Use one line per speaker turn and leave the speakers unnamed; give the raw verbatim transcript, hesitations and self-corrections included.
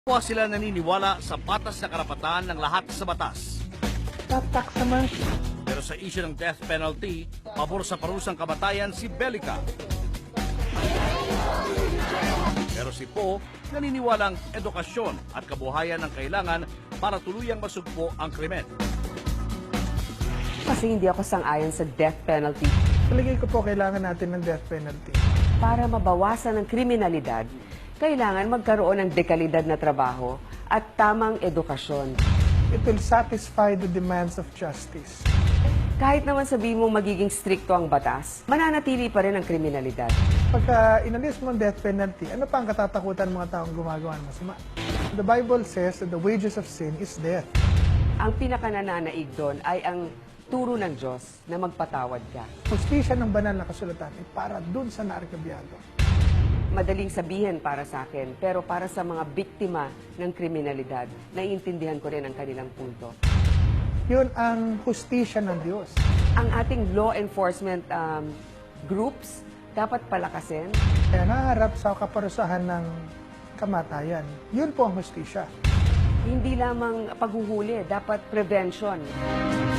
Kapwa sila naniniwala sa patas na karapatan ng lahat sa batas.
Tatak naman.
Pero sa issue ng death penalty, pabor sa parusang kamatayan si Belica. Pero si Po, naniniwalang edukasyon at kabuhayan ang kailangan para tuluyang masugpo ang krimen.
Kasi hindi ako sang-ayon sa death penalty.
Palagay ko po kailangan natin ng death penalty.
Para mabawasan ang kriminalidad, kailangan magkaroon ng dekalidad na trabaho at tamang edukasyon.
It will satisfy the demands of justice.
Kahit naman sabihin mong magiging strikto ang batas, mananatili pa rin ang kriminalidad.
Pagka inalis mo ang death penalty, ano pa ang katatakutan ng mga taong gumagawa ng masama? The Bible says that the wages of sin is death.
Ang pinakanananaig doon ay ang turo ng Diyos na magpatawad ka.
Hustisya ng banal na kasulatan ay para dun sa naarkabyado.
Madaling sabihin para sa akin, pero para sa mga biktima ng kriminalidad, naiintindihan ko rin ang kanilang punto.
Yun ang hustisya ng Diyos.
Ang ating law enforcement um, groups dapat palakasin.
Kaya naharap sa kaparusahan ng kamatayan. Yun po ang hustisya.
Hindi lamang paghuhuli, dapat prevention.